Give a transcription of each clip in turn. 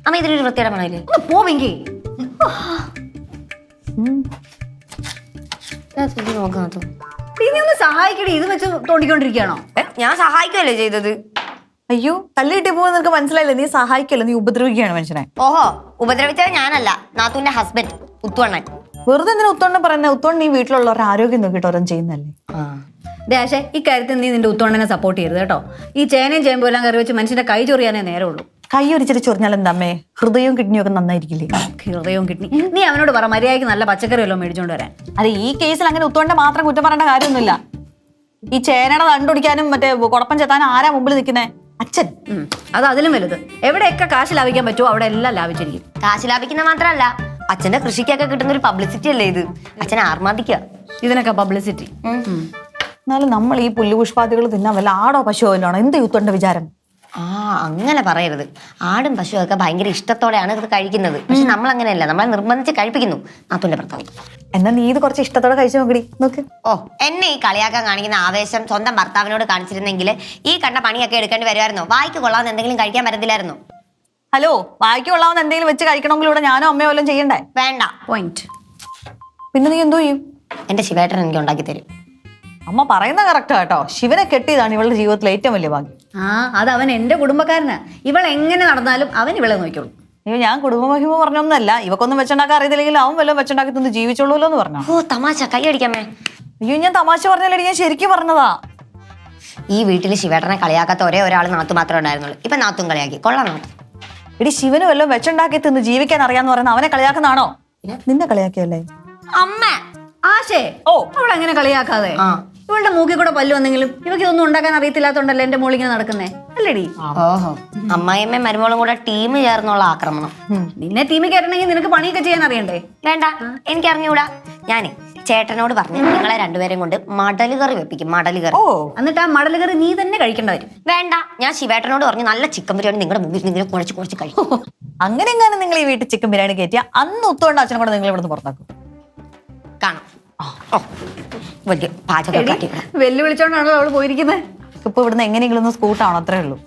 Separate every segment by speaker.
Speaker 1: അമ്മ ഇതിലൊരു വൃത്തിയുടെ മണമില്ലേ?
Speaker 2: ഒന്ന് പോവെങ്കി
Speaker 1: നോക്കാത്ത
Speaker 2: നീ ഒന്ന് സഹായിക്കടി. ഇത് വെച്ച് തോണ്ടിക്കൊണ്ടിരിക്കുകയാണോ?
Speaker 1: ഞാൻ സഹായിക്കുമല്ലേ ചെയ്തത്?
Speaker 3: അയ്യോ തല്ല് കിട്ടി പോകുന്ന നിനക്ക് മനസ്സിലായില്ല. നീ സഹായിക്കല്ല, നീ ഉപദ്രവിക്കുകയാണ് മനുഷ്യനെ.
Speaker 1: ഓഹോ, ഉപദ്രവിച്ചത് ഞാനല്ല, നാത്തൂന്റെ ഹസ്ബൻഡ് ഉത്തുവണ്ണൻ.
Speaker 3: വെറുതെ എന്തിനാ ഉത്തോണ്ണം പറയുന്നത്? ഉത്തോണ്ണം നീ വീട്ടിലുള്ളവരുടെ ആരോഗ്യം നോക്കിയിട്ട് ഓരോന്നും ചെയ്യുന്നല്ലേ.
Speaker 2: ദേശേ ഈ കാര്യത്തിൽ നീ നിന്റെ ഉത്തോണ്ണനെ സപ്പോർട്ട് ചെയ്യരുത് കേട്ടോ. ഈ ചേനയും ചേമ്പും എല്ലാം കറി വെച്ച് മനുഷ്യന്റെ കൈ ചൊറിയാനേ നേരമുള്ളൂ.
Speaker 3: കൈ ഒരിച്ചിട്ട് ചൊറിഞ്ഞാൽ എന്താമ്മേ? ഹൃദയവും കിഡ്നിയും ഒക്കെ നന്നായിരിക്കില്ലേ?
Speaker 2: ഹൃദയവും കിഡ്നി. നീ അവനോട് പറ മര്യാദയ്ക്ക് നല്ല പച്ചക്കറി വല്ലതും മേടിച്ചോണ്ട് വരാൻ.
Speaker 3: അതെ, ഈ കേസിൽ അങ്ങനെ ഉത്തോണ്ടെ മാത്രം കുറ്റം പറയേണ്ട കാര്യമൊന്നുമില്ല. ഈ ചേനയുടെ തണ്ടുപിടിക്കാനും മറ്റേ കുഴപ്പം ചെത്താനും ആരാ മുമ്പിൽ നിൽക്കുന്നേ? അച്ഛൻ.
Speaker 2: അത് അതിലും വലുത്. എവിടെയൊക്കെ കാശ് ലാഭിക്കാൻ പറ്റുമോ അവിടെ എല്ലാം ലാഭിച്ചിരിക്കും.
Speaker 1: കാശ് ലാഭിക്കുന്ന മാത്രമല്ല, അച്ഛന്റെ കൃഷിക്കൊക്കെ കിട്ടുന്ന ഒരു പബ്ലിസിറ്റി അല്ലേ ഇത്. അച്ഛനെ ആർമാദിക്കുക
Speaker 2: ഇതിനൊക്കെ പബ്ലിസിറ്റി.
Speaker 3: എന്നാലും നമ്മൾ ഈ പുല്ലുപുഷ്പാദികൾ തിന്നാൻ വല്ല ആടോ പശുവോ വല്ലോണോ? എന്ത് ഉത്തോണ്ട വിചാരം?
Speaker 1: അങ്ങനെ പറയരുത്. ആടും പശുവും ഒക്കെ ഭയങ്കര ഇഷ്ടത്തോടെയാണ് ഇത് കഴിക്കുന്നത്. പക്ഷെ നമ്മൾ അങ്ങനെയല്ല, നമ്മളെ നിർബന്ധിച്ച് കഴിപ്പിക്കുന്നു നാത്തൂന്റെ ഭർത്താവ്.
Speaker 3: എന്നാ നീ ഇത് കുറച്ച് ഇഷ്ടത്തോടെ കഴിച്ചു നോക്കടി. നോക്ക്.
Speaker 1: ഓ, എന്നെ ഈ കളിയാക്കാൻ കാണിക്കുന്ന ആവേശം സ്വന്തം ഭർത്താവിനോട് കാണിച്ചിരുന്നെങ്കിൽ ഈ കണ്ട പണിയൊക്കെ എടുക്കേണ്ടി വരുമായിരുന്നോ? വായിക്ക് കൊള്ളാവുന്ന എന്തെങ്കിലും കഴിക്കാൻ പറ്റത്തില്ലായിരുന്നോ?
Speaker 3: ഹലോ, വായിക്ക് കൊള്ളാവുന്ന എന്തെങ്കിലും വെച്ച് കഴിക്കണമെങ്കിൽ ഇവിടെ ഞാനോ അമ്മയോ വല്ലതും ചെയ്യണ്ടേ?
Speaker 1: വേണ്ട.
Speaker 2: പോയിന്റ്.
Speaker 3: പിന്നെ നീ എന്തോ ചെയ്യും?
Speaker 1: എന്റെ ശിവേട്ടൻ എനിക്ക് ഉണ്ടാക്കി തരും.
Speaker 3: അമ്മ പറയുന്ന കറക്റ്റാ കേട്ടോ. ശിവനെ കെട്ടിയതാണ് ഇവളുടെ ജീവിതത്തിലെ ഏറ്റവും വലിയ ഭാഗ്യം.
Speaker 2: അത് അവൻ എന്റെ കുടുംബക്കാരനാ. ഇവൾ എങ്ങനെ നടന്നാലും അവൻ ഇവളെ നോക്കിയോളൂ.
Speaker 3: അയ്യോ, ഞാൻ കുടുംബമഹിമ പറഞ്ഞൊന്നല്ല. ഇവക്കൊന്നും വെച്ചുണ്ടാക്കാൻ അറിയത്തില്ലെങ്കിൽ അവൻ വല്ലതും വെച്ചുണ്ടാക്കി തന്ന് ജീവിച്ചോളൂല്ലോ എന്ന് പറഞ്ഞു.
Speaker 1: ഓ തമാശ, കൈ അടിക്കാമേ.
Speaker 3: അയ്യോ, ഞാൻ തമാശ പറഞ്ഞല്ലേ, ഞാൻ ശരിക്കും പറഞ്ഞതാ.
Speaker 1: ഈ വീട്ടിൽ ശിവേട്ടനെ കളിയാക്കാത്ത ഒരേ ഒരാൾ നാത്തു മാത്രമേ ഉണ്ടായിരുന്നുള്ളൂ. ഇപ്പൊ നാത്തും കളിയാക്കി. കൊള്ളാം നാത്തു.
Speaker 3: എടി, ശിവന് വല്ലതും വെച്ചുണ്ടാക്കി തിന്ന് ജീവിക്കാൻ അറിയാന്ന് പറയുന്ന അവനെ കളിയാക്കുന്നതാണോ? നിന്നെ കളിയാക്കിയല്ലേ
Speaker 1: അമ്മ.
Speaker 2: ആശേ, അവൾ എങ്ങനെ കളിയാക്കാതെ? ഇവളുടെ മൂക്കിൽ കൂടെ പല്ല് വന്നെങ്കിലും ഇവക്ക് ഇതൊന്നും ഉണ്ടാക്കാൻ അറിയത്തില്ലാത്തോണ്ടല്ലേ എന്റെ മോൾ ഇങ്ങനെ നടക്കുന്നേ, അല്ലേടി?
Speaker 1: ഓഹോ, അമ്മായിയമ്മയും മരുമോളും കൂടെ ടീം ചേർന്നുള്ള ആക്രമണം.
Speaker 2: നിന്നെ ടീമിൽ കയറണമെങ്കിൽ നിനക്ക് പണിയൊക്കെ ചെയ്യാൻ അറിയണ്ടേ?
Speaker 1: വേണ്ട, എനിക്ക് അറിഞ്ഞൂടാ. ഞാനേ ചേട്ടനോട് പറഞ്ഞു നിങ്ങളെ രണ്ടുപേരും കൊണ്ട് മടല് കറി വെപ്പിക്കും. മടല് കറി.
Speaker 2: എന്നിട്ട് ആ മടല് കറി നീ തന്നെ കഴിക്കേണ്ട വരും.
Speaker 1: വേണ്ട, ഞാൻ ശിവേട്ടനോട് പറഞ്ഞു നല്ല ചിക്കൻ ബിരിയാണി നിങ്ങളുടെ മുമ്പിൽ നിങ്ങൾ കുഴച്ച് കഴിക്കും.
Speaker 3: അങ്ങനെ എങ്ങാനും നിങ്ങൾ ഈ വീട്ടിൽ ചിക്കൻ ബിരിയാണി കയറ്റിയ അന്ന് ഒത്തുകൊണ്ട് അച്ഛനെ കൂടെ നിങ്ങൾ ഇവിടുന്ന് പുറത്താക്കും.
Speaker 1: കാണാം. വലിയ പാചകം
Speaker 2: വെല്ലുവിളിച്ചോണ്ടാണല്ലോ അവള് പോയിരിക്കുന്നത്.
Speaker 3: ഇപ്പൊ ഇവിടുന്ന് എങ്ങനെയെങ്കിലും ഒന്ന് സ്കൂട്ടാണോ? അത്രേ ഉള്ളൂ.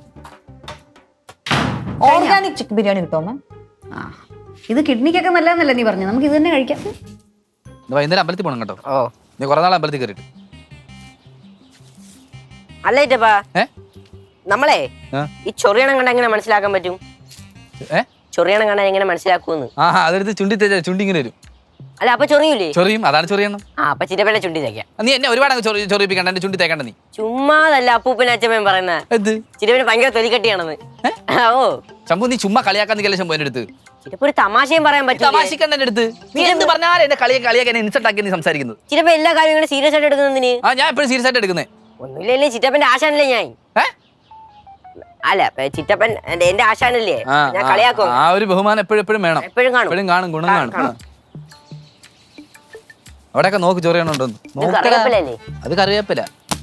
Speaker 3: ഓർഗാനിക് ചിക്കൻ ബിരിയാണി കിട്ടുമോ?
Speaker 2: ഇത് കിഡ്നിക്കൊക്കെ നല്ലതെന്നല്ലേ നീ പറഞ്ഞു? നമുക്ക് ഇത് തന്നെ കഴിക്കാം.
Speaker 4: വൈകുന്നേരം അമ്പലത്തിൽ പോകണം കേട്ടോ. നീ കുറെ നാൾ അമ്പലത്തിൽ കയറിയിട്ട്
Speaker 5: അല്ലേറ്റപ്പാ. നമ്മളെ ഈ ചൊറിയണം കണ്ട എങ്ങനെ മനസ്സിലാക്കാൻ പറ്റും? ചൊറിയണം കണ്ട എങ്ങനെ മനസ്സിലാക്കൂന്ന്?
Speaker 4: അതെടുത്ത് ചുണ്ടി തേച്ചാ ചുണ്ടി ഇങ്ങനെ വരും.
Speaker 5: അല്ല, അപ്പൊ ചൊറിയൂലേ?
Speaker 4: ചൊറിയും, അതാണ് ചൊറിയണം.
Speaker 5: അപ്പൊ ചിറ്റപ്പന്റെ ചുണ്ടി തേക്കാം.
Speaker 4: നീ എന്നെ ഒരുപാട് ചൊറിയിപ്പിക്കണ്ട, എന്റെ ചുണ്ടി തേക്കണ്ട നീ.
Speaker 5: ചുമ്മാതല്ല അപ്പൂപ്പൻ അച്ഛമ്മയും പറയുന്നത്. ചിറ്റപ്പന് ഭയങ്കര തൊലിക്കട്ടിയാണെന്ന്. ഓ
Speaker 4: ശംഭു, നീ ചുമ്മാ കളിയാക്കാൻ നിൽക്കല്ലേ ശംഭു എന്റെ അടുത്ത്.
Speaker 5: ചിറ്റപ്പ ഒരു തമാശയും പറയാൻ പറ്റും.
Speaker 4: തമാശിക്കണ്ട എന്റെ അടുത്ത്. നീ എന്ത് പറഞ്ഞാലും എന്നെ കളിയാക്കാൻ ഇൻസൾട്ട് ആക്കി നീ സംസാരിക്കുന്നത്.
Speaker 5: ചിറ്റപ്പ എല്ലാ കാര്യവും ഇങ്ങനെ സീരിയസ് ആയിട്ട് എടുക്കുന്നതിന്?
Speaker 4: ഞാൻ എപ്പോഴും സീരിയസ് ആയിട്ട് എടുക്കുന്നേ.
Speaker 5: ഒന്നുമില്ലേ, ചിറ്റപ്പന്റെ ആശാനല്ലേ ഞാൻ. അല്ല, ചിറ്റപ്പൻ എന്റെ ആശാനല്ലേ, ഞാൻ കളിയാക്കും.
Speaker 4: ആ ഒരു ബഹുമാനം എപ്പോഴും വേണം.
Speaker 5: എപ്പോഴും
Speaker 4: കാണും, ഗുണം കാണും. അവിടെയൊക്കെ നോക്ക് ചൊറിയണുണ്ടോ? അത് കറിവേപ്പില.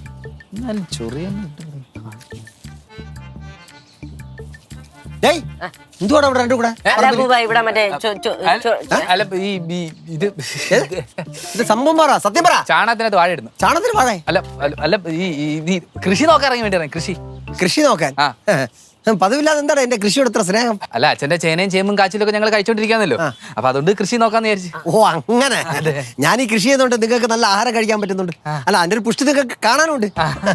Speaker 4: ചാണകത്തിനകത്ത് വാഴ ഇടുന്നു.
Speaker 6: ചാണകത്തിന് വാഴ?
Speaker 4: അല്ല, ഈ കൃഷി നോക്കാൻ ഇറങ്ങി വേണ്ടി
Speaker 6: കൃഷി നോക്കാൻ പതിവില്ലാതെ എന്താണ് എന്റെ കൃഷിയോട് ഇത്ര സ്നേഹം?
Speaker 4: അല്ല, അച്ഛന്റെ ചേനയും ചേമ്പും കാച്ചിലൊക്കെ ഞങ്ങൾ കഴിച്ചോണ്ടിരിക്കാന്നല്ലോ. അപ്പൊ അതുകൊണ്ട് കൃഷി നോക്കാന്ന് വിചാരിച്ചു.
Speaker 6: ഓ അങ്ങനെ. ഞാൻ ഈ കൃഷി ചെയ്യുന്നോണ്ട് നിങ്ങൾക്ക് നല്ല ആഹാരം കഴിക്കാൻ പറ്റുന്നുണ്ട്. അല്ല, അതിന്റെ ഒരു പുഷ്ടി നിങ്ങൾക്ക് കാണാനുണ്ട്.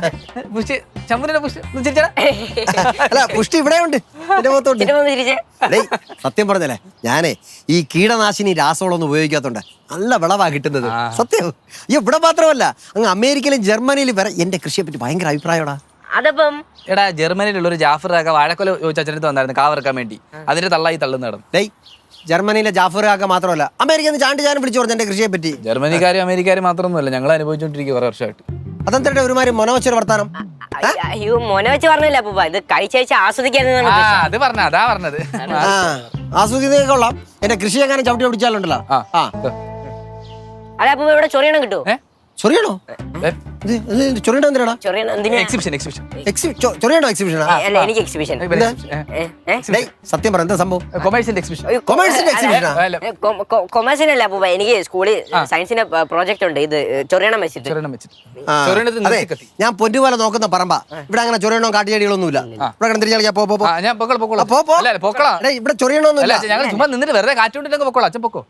Speaker 6: അല്ല, പുഷ്ടി ഇവിടെ ഉണ്ട് എന്റെ മുഖത്തോണ്ട്. സത്യം പറഞ്ഞല്ലേ, ഞാനേ ഈ കീടനാശിനി രാസവളമൊന്നും ഉപയോഗിക്കാത്തോണ്ട് നല്ല വിളവാ കിട്ടുന്നത്. സത്യം. ഇവിടെ മാത്രമല്ല, അങ്ങ് അമേരിക്കയിലും ജർമ്മനിയിലും വരെ എന്റെ കൃഷിയെ പറ്റി ഭയങ്കര അഭിപ്രായമാടാ.
Speaker 5: അതപ്പം
Speaker 4: എടാ, ജർമ്മനിയിലുള്ള ഒരു ജാഫർ കാക്ക വാഴക്കൊല ചോദിച്ചടുത്ത് വന്നായിരുന്നു കാവറക്കാൻ വേണ്ടി. അതിന്റെ തള്ളായി തള്ളുന്ന നടന്നു.
Speaker 6: ജർമ്മനിയിലെ ജാഫർ കാക്ക മാത്രമല്ല, അമേരിക്കയിൽ നിന്ന് ചാണ്ടി ചാനും വിളിച്ചു പറഞ്ഞു എന്റെ കൃഷിയെ പറ്റി.
Speaker 4: ജർമ്മനിക്കാരും അമേരിക്കാരും മാത്രമൊന്നുമല്ല, ഞങ്ങൾ അനുഭവിച്ചോണ്ടിരിക്കും കുറെ വർഷമായിട്ട്.
Speaker 6: അതെന്താ ഒരുമാതിരി മൊനവച്ചൊരു വർത്താനം?
Speaker 5: അയ്യോ, മോനെ വെച്ച് പറഞ്ഞില്ല അപ്പൂപ്പ, ഇത് കഴിച്ചയച്ച് ആസ്വദിക്കാൻ.
Speaker 4: അത് പറഞ്ഞ അതാ പറഞ്ഞത്.
Speaker 6: ആസ്വദിക്കുന്നതൊക്കെ കൊള്ളാം. എന്റെ കൃഷി എങ്ങനെ ചവിട്ടി പിടിച്ചാലുണ്ടല്ലോ.
Speaker 5: അല്ല അപ്പൂപ്പ, ഇവിടെ ചൊറിയണം കിട്ടുമോ?
Speaker 6: ചൊറിയണോ? ചൊറിയണ എന്തിനാടാ?
Speaker 5: ചൊറിയണം എന്തിനാ?
Speaker 4: എക്സിബിഷൻ
Speaker 6: ചൊറിയണോ എക്സിബിഷനാ?
Speaker 5: അല്ല എനിക്ക് എക്സിബിഷൻ.
Speaker 6: ഡേയ്, സത്യം പറ എന്താ സംഭവം?
Speaker 4: കൊമേഴ്സിന്റെ എക്സിബിഷൻ.
Speaker 6: കൊമേഴ്സിന്റെ എക്സിബിഷനാ?
Speaker 5: കൊമേഴ്സിനല്ല അപ്പൂപ്പ, എനിക്ക് സ്കൂളിൽ സയൻസിന്റെ പ്രോജക്റ്റ് ഉണ്ട്. ഇത് ചൊറിയണം വെച്ചിട്ട്.
Speaker 6: ആ, അതെ, ഞാൻ പൊന്നുപോലെ നോക്കുന്ന പറമ്പ. ഇവിടെ അങ്ങനെ ചൊറിയണോ കാട്ടിയടികളൊന്നുമില്ല. ഇവിടെ തിരിച്ചാൽ പോ പോ.
Speaker 4: ഞാൻ പൊക്കോളാം
Speaker 6: പോ, പോ.
Speaker 4: പൊക്കോളാം.
Speaker 6: ഡേയ്, ഇവിടെ ചൊറിയണോന്നില്ല.
Speaker 4: ഞങ്ങൾ ചുമ്മാ നിന്നിട്ട് വെറുതെ കാറ്റുകൊണ്ടിട്ടൊക്കെ പൊക്കോളാം. അച്ഛൻ പൊക്കോ.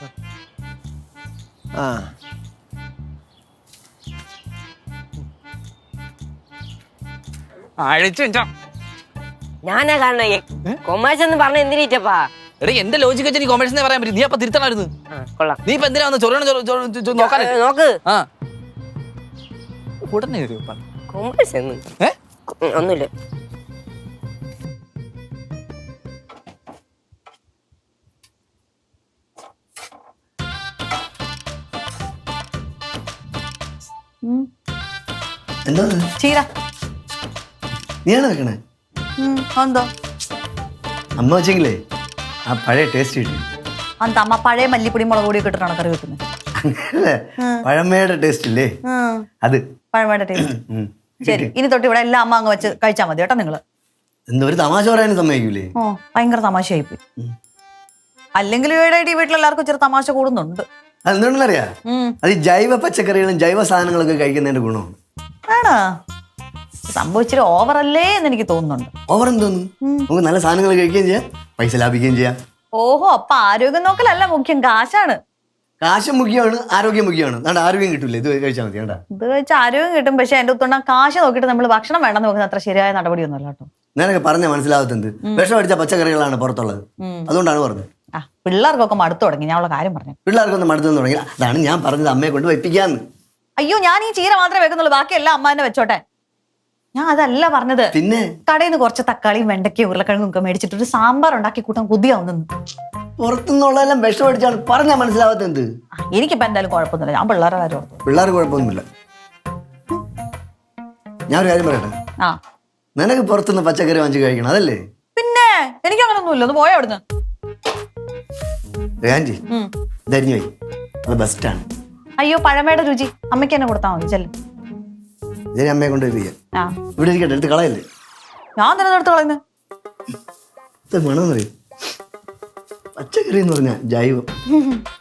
Speaker 6: ആ,
Speaker 4: അഴിച്ചു
Speaker 5: ഞാനാ കാണണേ കൊമേഴ്സ് എന്ന് പറഞ്ഞ എന്തിനീറ്റപ്പാ?
Speaker 4: എടേ എന്റെ ലോജിക്ക് വെച്ച് നീ കൊമേഴ്സിനെ പറയാൻ പറ്റും. നീ അപ്പൊ തിരുത്തണമായിരുന്നു.
Speaker 5: കൊള്ളാം.
Speaker 4: നീ ഇപ്പൊ എന്തിനാ വന്ന് ചൊറിയണം നോക്കാൻ?
Speaker 5: നോക്ക്
Speaker 4: ആ ഉടനെ വരൂ.
Speaker 5: കൊമേഴ്സ് എന്ന് ഒന്നുമില്ല.
Speaker 6: എന്താ
Speaker 3: ചീര.
Speaker 6: നീയാണ് വെക്കണേ?
Speaker 3: എന്തോ
Speaker 6: അമ്മ വെച്ചെങ്കിലേ ആ പഴയ ടേസ്റ്റ് കിട്ടി.
Speaker 3: അന്ത അമ്മ പഴയ മല്ലിപ്പൊടി മുളക് പൊടി ഇട്ടിട്ടാണ് കറി വെക്കുന്നത്.
Speaker 6: അങ്ങനല്ലേ, പഴമയുടെ ടേസ്റ്റ് ഇല്ലേ അത്.
Speaker 3: പഴമയുടെ ടേസ്റ്റ്. ശരി, ഇനി തൊട്ട് ഇവിടെ എല്ലാം അമ്മ അങ്ങ് വെച്ച് കഴിച്ചാൽ മതി കേട്ടോ നിങ്ങള്.
Speaker 6: എന്താ ഒരു തമാശ പറയാനും സമ്മതിക്കൂലേ?
Speaker 3: ഓ, ഭയങ്കര തമാശയായിപ്പോയി. അല്ലെങ്കിൽ ഇവിടെ ഈ വീട്ടിലെല്ലാവർക്കും ചെറു തമാശ കൂടുന്നുണ്ട്.
Speaker 6: അതെന്തുകൊണ്ടറിയാ? അത് ഈ ജൈവ പച്ചക്കറികളും ജൈവ സാധനങ്ങളൊക്കെ കഴിക്കുന്നതിന്റെ ഗുണമാണ്.
Speaker 3: ആണോ? സംഭവിച്ചിട്ട് ഓവറല്ലേ എന്ന് എനിക്ക് തോന്നുന്നുണ്ട്.
Speaker 6: ഓവർ എന്തോന്നു? നമുക്ക് നല്ല സാധനങ്ങൾ കഴിക്കുകയും ചെയ്യാം, പൈസ ലാഭിക്കുകയും ചെയ്യാം.
Speaker 3: ഓഹോ, അപ്പൊ ആരോഗ്യം നോക്കലല്ല മുഖ്യം, കാശാണ്.
Speaker 6: കാശ് മുഖ്യമാണ്, ആരോഗ്യം മുഖ്യമാണ്. അതുകൊണ്ട് ആരോഗ്യം കിട്ടൂലേ, ഇത് കഴിച്ചാൽ മതി. കേട്ടാ,
Speaker 3: ഇത് വെച്ച് ആരോഗ്യം കിട്ടും. പക്ഷെ എന്റെ ഒത്തുണ്ട കാശ് നോക്കിയിട്ട് നമ്മൾ ഭക്ഷണം വേണ്ടെന്ന് നോക്കുന്നത് അത്ര ശരിയായ നടപടിയൊന്നുമല്ല കേട്ടോ.
Speaker 6: ഞാനൊക്കെ പറഞ്ഞ മനസ്സിലാവത്തെന്ത്? വിഷം അടിച്ച പച്ചക്കറികളാണ് പുറത്തുള്ളത്. അതുകൊണ്ടാണ് പറഞ്ഞത്.
Speaker 3: ആ, പിള്ളേർക്കൊക്കെ മടുത്തു തുടങ്ങി. ഞാൻ ഉള്ള കാര്യം പറഞ്ഞു.
Speaker 6: പിള്ളേർക്കൊന്നും മടുത്തു തുടങ്ങി. അതാണ് ഞാൻ പറഞ്ഞത്, അമ്മയെ കൊണ്ട് വയ്പ്പിക്കാന്ന്.
Speaker 3: അയ്യോ, ഞാൻ ഈ ചീര മാത്രമേ വെക്കുന്നുള്ളൂ, ബാക്കിയെല്ലാം അമ്മ തന്നെ വെച്ചോട്ടെ. ഞാൻ അതല്ല പറഞ്ഞത്.
Speaker 6: പിന്നെ
Speaker 3: കടയിൽ നിന്ന് കുറച്ച് തക്കാളിയും വെണ്ടയ്ക്കയും ഉരുളക്കിഴങ്ങും ഒക്കെ മേടിച്ചിട്ട് ഒരു സാമ്പാർ ഉണ്ടാക്കി കൂട്ടാൻ കൊതിയാവുന്നു.
Speaker 6: പുറത്തുനിന്നുള്ളതെല്ലാം വിഷം അടിച്ചാണ് പറഞ്ഞാൽ മനസ്സിലാവാത്തെന്ത്?
Speaker 3: എനിക്കിപ്പോ എന്തായാലും കുഴപ്പമൊന്നുമില്ല. ഞാൻ പിള്ളേരെ കാര്യം ഓർത്തു.
Speaker 6: പിള്ളേർ കുഴപ്പമൊന്നുമില്ല. ഞാൻ ഒരു കാര്യം പറയട്ടെ,
Speaker 3: ആ,
Speaker 6: നിനക്ക് പുറത്തുനിന്ന് പച്ചക്കറി വാങ്ങിച്ച് കഴിക്കണം, അതല്ലേ?
Speaker 3: പിന്നെ എനിക്ക് അങ്ങനൊന്നുമില്ല. ഒന്ന് പോയാ അവിടുന്ന്.
Speaker 6: ആൻറ്റി ധരിഞ്ഞു പോയി, അത് ബെസ്റ്റാണ്.
Speaker 3: അയ്യോ, പഴമയുടെ രുചി അമ്മയ്ക്ക് തന്നെ കൊടുത്താൽ മതി. ചെല്ലും.
Speaker 6: ഇതിനെ അമ്മയെ കൊണ്ട് വയ്പ്പിക്കാം.
Speaker 3: ആ,
Speaker 6: ഇവിടെ ഇരിക്കട്ടെ, എടുത്ത് കളയല്ലേ.
Speaker 3: ഞാൻ തന്നെ എടുത്ത് കളയുന്നത്.
Speaker 6: ഇത് വേണമെന്ന് പറയും. പച്ചക്കറി എന്ന് പറഞ്ഞാൽ ജൈവം.